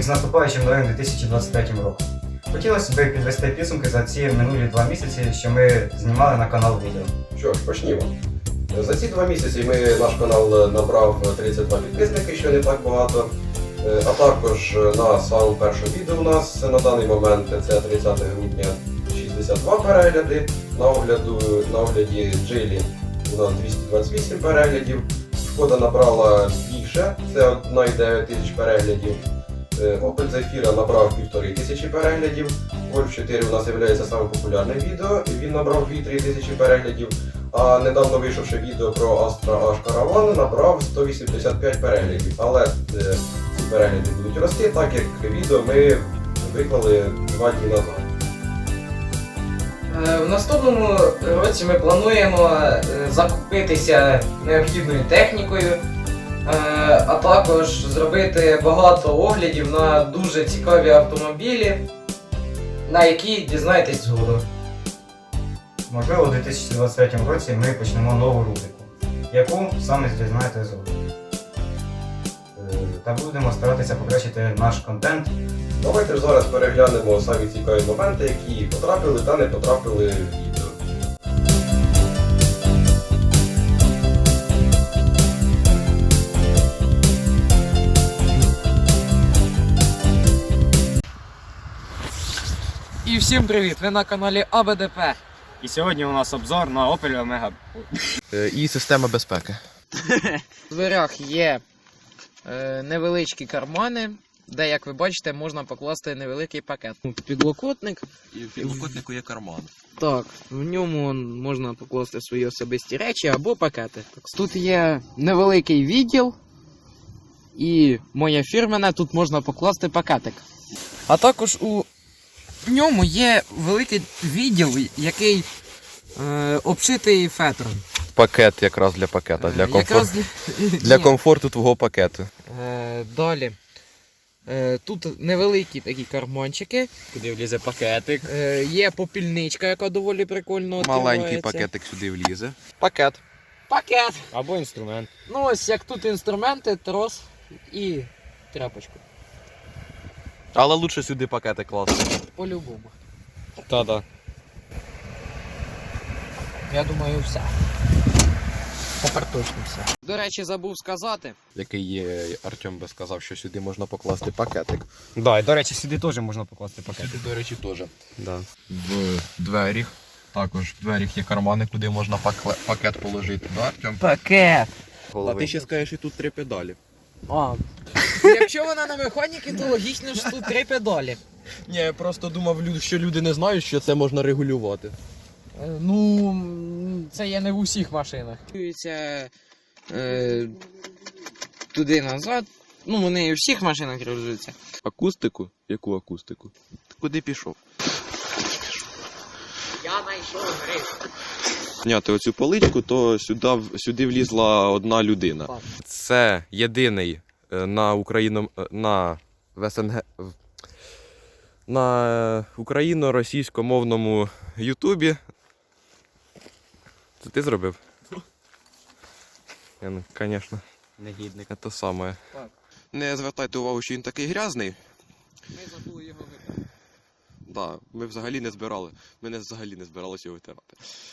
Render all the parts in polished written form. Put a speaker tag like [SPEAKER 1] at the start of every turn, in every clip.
[SPEAKER 1] з наступаючим новим 2023 роком. Хотілося б підвести підсумки за ці минулі 2 місяці, що ми знімали на канал відео.
[SPEAKER 2] Що ж, почнімо. За ці 2 місяці наш канал набрав 32 підписники, що не так багато. А також на самому першому відео у нас на даний момент, це 30 грудня, 62 перегляди. На огляді Джилі у нас 228 переглядів. Шкода набрала більше, це 1,9 тисяч переглядів. Opel Zafira набрав 1500 переглядів. Golf 4 у нас є самим популярним відео, він набрав 2-3 тисячі переглядів. А недавно вийшовши відео про Astra H Caravan набрав 185 переглядів. Але ці перегляди будуть рости, так як відео ми виклали 2 дні назад.
[SPEAKER 3] В наступному році ми плануємо закупитися необхідною технікою, а також зробити багато оглядів на дуже цікаві автомобілі, на які дізнаєтесь згодом.
[SPEAKER 1] Можливо, у 2023 році ми почнемо нову рубрику, яку саме дізнаєтесь згодом. Та будемо старатися покращити наш контент.
[SPEAKER 2] Давайте ж зараз переглянемо самі цікаві моменти, які потрапили та не потрапили в відео.
[SPEAKER 3] І всім привіт! Ви на каналі АБДП.
[SPEAKER 1] І сьогодні у нас обзор на Opel Omega.
[SPEAKER 4] І система безпеки.
[SPEAKER 3] В дверях є невеличкі кармани, де, як ви бачите, можна покласти невеликий пакет. Підлокотник.
[SPEAKER 4] І в підлокотнику є карман.
[SPEAKER 3] Так, в ньому можна покласти свої особисті речі або пакети. Тут є невеликий відділ і моє фірмене, тут можна покласти пакетик. А також у ньому є великий відділ, який обшитий фетром.
[SPEAKER 4] Пакет якраз для пакета, для
[SPEAKER 3] Ні.
[SPEAKER 4] комфорту твого пакету.
[SPEAKER 3] Далі. Тут невеликі такі карманчики.
[SPEAKER 4] Куди влізе пакетик.
[SPEAKER 3] Є попільничка, яка доволі прикольно відкривається.
[SPEAKER 4] Маленький пакетик сюди влізе.
[SPEAKER 3] Пакет.
[SPEAKER 1] Або інструмент.
[SPEAKER 3] Ну ось як тут інструменти, трос і тряпочку.
[SPEAKER 4] Але лучше сюди пакети класти.
[SPEAKER 3] По-любому.
[SPEAKER 4] Та-да.
[SPEAKER 3] Я думаю, все. Тепер точно все. До речі, забув сказати.
[SPEAKER 4] Який Артем би сказав, що сюди можна покласти пакетик.
[SPEAKER 1] Да, і до речі, сюди теж можна покласти пакет.
[SPEAKER 4] Сюди, до речі, теж. Да. В дверях. Також в дверях є кармани, куди можна пакет положити. Да, Артем?
[SPEAKER 3] Пакет!
[SPEAKER 4] А ти ще скажеш, і тут 3 педалі.
[SPEAKER 3] А. Якщо вона на механіки, то логічно, що тут 3 педалі.
[SPEAKER 4] Ні, я просто думав, що люди не знають, що це можна регулювати.
[SPEAKER 3] Ну, це є не в усіх машинах. Туди назад. Ну, вони і в всіх машинах регулюються.
[SPEAKER 4] Акустику? Яку акустику? Ти куди пішов?
[SPEAKER 3] Я знайшов гриф.
[SPEAKER 4] Зняти оцю поличку, то сюди влізла одна людина.
[SPEAKER 3] Так.
[SPEAKER 4] Це єдиний на СНГ, на україно-російськомовному Ютубі. Це ти зробив? Я, ну, звісно.
[SPEAKER 1] Негідник.
[SPEAKER 4] Це саме.
[SPEAKER 3] Так.
[SPEAKER 4] Не звертайте увагу, що він такий грязний.
[SPEAKER 3] Ми забули його витягти.
[SPEAKER 4] Да, ми взагалі не збирали. Ми взагалі не збиралися його витирати.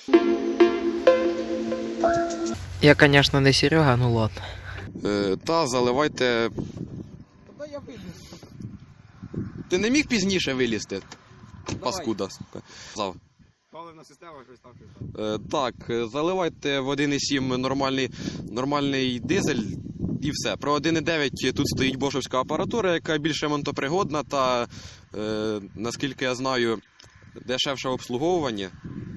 [SPEAKER 3] Я, звісно, не Серега, ну ладно.
[SPEAKER 4] Та заливайте.
[SPEAKER 3] Тоді я виліз.
[SPEAKER 4] Ти не міг пізніше вилізти? Паскуда, сука.
[SPEAKER 1] Паливна система щось там.
[SPEAKER 4] Так, заливайте в 1,7 нормальний дизель і все. Про 1,9 тут стоїть бошовська апаратура, яка більше монтопригодна та, наскільки я знаю, дешевше обслуговування.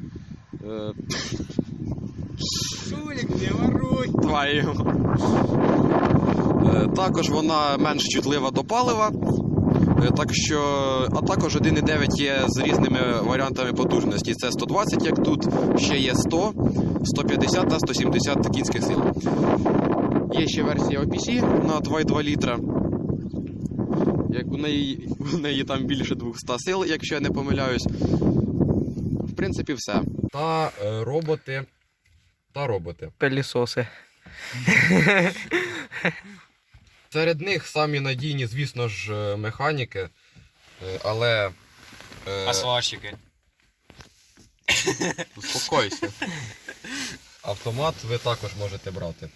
[SPEAKER 3] Шулік, не воруй!
[SPEAKER 4] Твою. Також вона менш чутлива до палива. А також 1,9 є з різними варіантами потужності. Це 120, як тут, ще є 100, 150 та 170 кінських сил. Є ще версія OPC на 2,2 літра. У неї там більше 200 сил, якщо я не помиляюсь. В принципі, все. Та роботи.
[SPEAKER 3] Пилісоси.
[SPEAKER 4] Серед них самі надійні, звісно ж, механіки, але...
[SPEAKER 5] А сварщики?
[SPEAKER 4] Успокойся. Автомат ви також можете брати.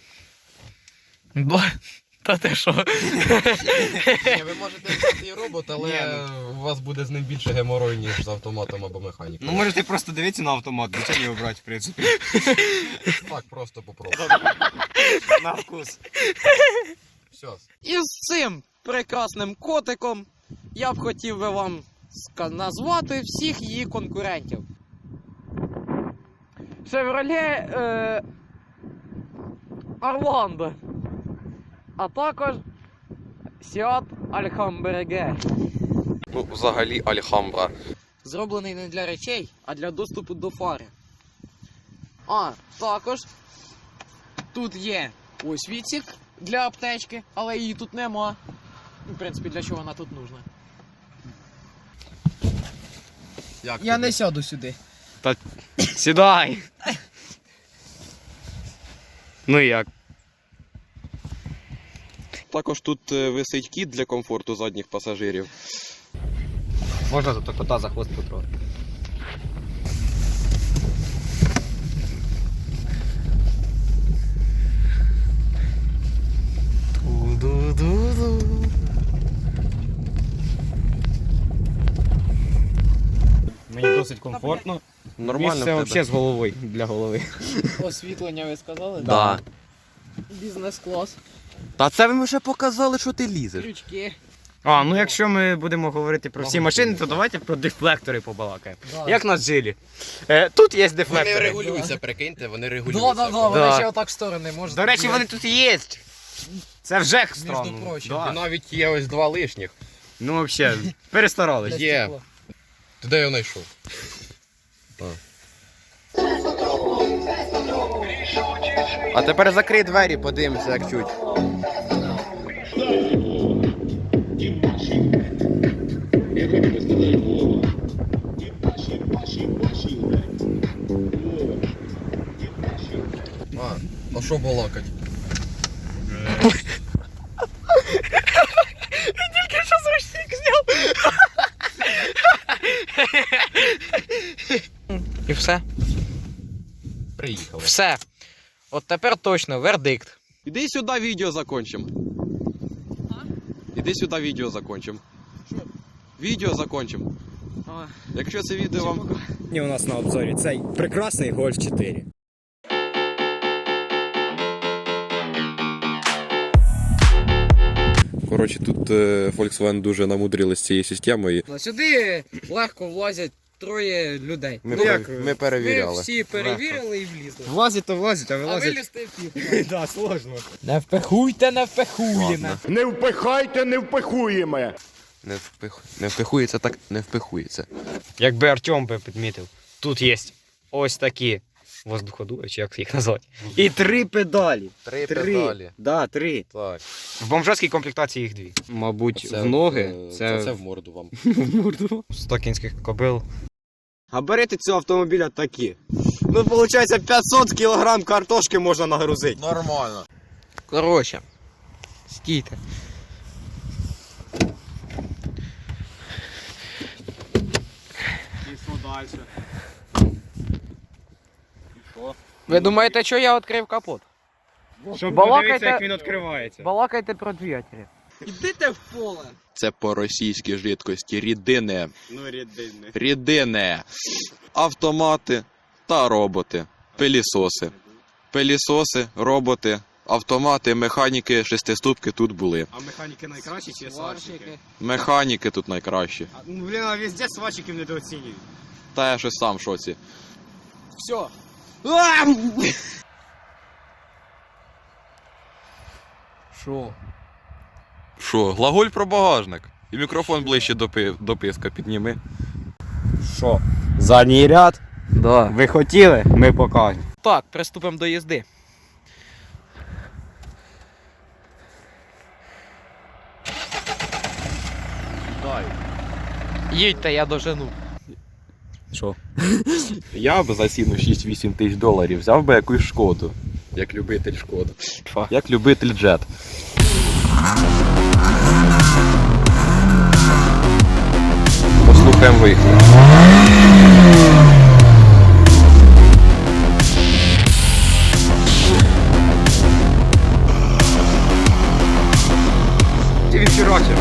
[SPEAKER 3] Та ти що?
[SPEAKER 4] Ні, ви можете взяти і робот, але у вас буде з ним більше геморою, ніж з автоматом або механікою.
[SPEAKER 5] Ну можете просто дивитися на автомат, нічого не обрати, в принципі.
[SPEAKER 4] Так, просто попробуй.
[SPEAKER 5] На вкус.
[SPEAKER 4] Все.
[SPEAKER 3] І з цим прекрасним котиком я б хотів би вам назвати всіх її конкурентів. Chevrolet Orlando, а також Seat Alhambra.
[SPEAKER 4] Ну, взагалі Альхамбра.
[SPEAKER 3] Зроблений не для речей, а для доступу до фари. А також тут є ось відсік для аптечки, але її тут нема. В принципі, для чого вона тут нужна?
[SPEAKER 4] Як
[SPEAKER 3] Я
[SPEAKER 4] тобі?
[SPEAKER 3] не сяду сюди.
[SPEAKER 5] Сідай! Ну і як?
[SPEAKER 4] Також тут висить кіт для комфорту задніх пасажирів.
[SPEAKER 5] Можна тут кота за хвост потрогати. Мені досить комфортно.
[SPEAKER 4] Нормально
[SPEAKER 5] Місце
[SPEAKER 4] в тебе?
[SPEAKER 5] взагалі з головою, для голови.
[SPEAKER 3] Освітлення ви сказали?
[SPEAKER 4] Да.
[SPEAKER 3] Бізнес-клас.
[SPEAKER 4] Та це ви вже показали, що ти лізеш.
[SPEAKER 3] Крючки.
[SPEAKER 5] А, ну якщо ми будемо говорити про всі машини, то давайте про дефлектори побалакаємо.
[SPEAKER 3] Да.
[SPEAKER 5] Як на джилі. Тут є
[SPEAKER 4] Вони
[SPEAKER 5] дефлектори.
[SPEAKER 4] регулюються, прикиньте, вони
[SPEAKER 3] Да,
[SPEAKER 4] регулюються.
[SPEAKER 3] да, да, вони
[SPEAKER 5] Да.
[SPEAKER 3] ще отак в сторони можуть.
[SPEAKER 5] До речі, вони тут є. Це вже
[SPEAKER 3] Між
[SPEAKER 5] странно.
[SPEAKER 3] прочим.
[SPEAKER 5] Да.
[SPEAKER 4] І навіть є ось два лишніх.
[SPEAKER 5] Ну взагалі, перестарались.
[SPEAKER 4] Є. Ти де його знайшов? А тепер закрий двері, подивимося, як чуть. А що балакать?
[SPEAKER 3] Тільки що зручник зняв. І все.
[SPEAKER 4] Приїхали.
[SPEAKER 3] Все. От тепер точно вердикт.
[SPEAKER 4] Іди сюди, відео закончим. Іди сюди, відео закончим.
[SPEAKER 3] Що?
[SPEAKER 4] Відео закончим. Якщо це відео вам...
[SPEAKER 5] І у нас на обзорі цей прекрасний Golf 4.
[SPEAKER 4] Коротше, тут Volkswagen дуже намудрили з цією системою.
[SPEAKER 3] Сюди легко влазять троє людей.
[SPEAKER 4] Ми перевіряли.
[SPEAKER 3] Ми всі перевірили і влізли.
[SPEAKER 5] Влазить, то влазить, а
[SPEAKER 3] А
[SPEAKER 5] вилазить.
[SPEAKER 3] вилізти пів.
[SPEAKER 5] Да, сложно.
[SPEAKER 3] Не впихуйте, не впихуємо.
[SPEAKER 6] Не впихайте, не впихуємо.
[SPEAKER 4] Не впихується, так не впихується.
[SPEAKER 5] Якби Артем би підмітив, тут є ось такі воздуходуви, чи як їх назвати. І 3 педалі.
[SPEAKER 4] Три педалі.
[SPEAKER 5] Да, 3.
[SPEAKER 4] Так.
[SPEAKER 5] В бомжатській комплектації їх 2. Мабуть, в ноги.
[SPEAKER 4] Це в морду вам.
[SPEAKER 5] в морду. 100 кінських кобил. Габарити цього автомобіля такі. Ну, виходить, 500 кг картошки можна нагрузити.
[SPEAKER 4] Нормально.
[SPEAKER 3] Коротше, стійте.
[SPEAKER 5] І що далі?
[SPEAKER 3] Ви думаєте, що я відкрив капот?
[SPEAKER 5] Щоб
[SPEAKER 3] Балакайте-
[SPEAKER 5] подивитися, як він відкривається.
[SPEAKER 3] Балакайте про двигателі. Ідите в поле.
[SPEAKER 4] Це по російській жидкості рідини.
[SPEAKER 5] Ну, рідини.
[SPEAKER 4] Рідини. Автомати та роботи. Пилісоси. Пилісоси, роботи, автомати, механіки, шестиступки тут були.
[SPEAKER 5] А механіки найкращі чи сварщики?
[SPEAKER 4] Механіки тут найкращі.
[SPEAKER 5] Ну, блін, а везде сварщиків недооцінюють.
[SPEAKER 4] Та я щось сам в шоці.
[SPEAKER 3] Все. Що?
[SPEAKER 4] Що, глаголь про багажник? І мікрофон ближче до писка підніми.
[SPEAKER 5] Що? Задній ряд?
[SPEAKER 3] Да.
[SPEAKER 5] Ви хотіли? Ми покажемо.
[SPEAKER 3] Так, приступимо до їзди. Їдьте, я дожену.
[SPEAKER 5] Що?
[SPEAKER 4] Я б за ціну 6-8 тисяч доларів взяв би якусь шкоду. Як любитель шкоди. Як любитель джет.
[SPEAKER 2] Послухаємо вихід.
[SPEAKER 5] Ти відхерачив.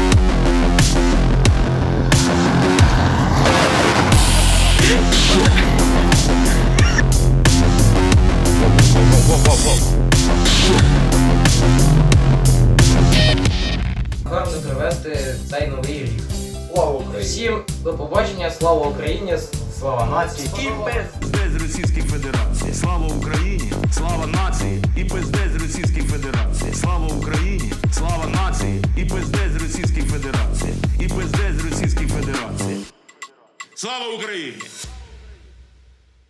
[SPEAKER 3] Гарно провести цей новий рік.
[SPEAKER 2] Слава Україні!
[SPEAKER 3] Всім до побачення, слава Україні, слава нації.
[SPEAKER 7] І пизде з Російської Федерації. Слава Україні, слава нації, і пизде з Російської Федерації. Слава Україні, слава нації, і пизде з Російської Федерації. І пизде з Російської Федерації. Слава Україні!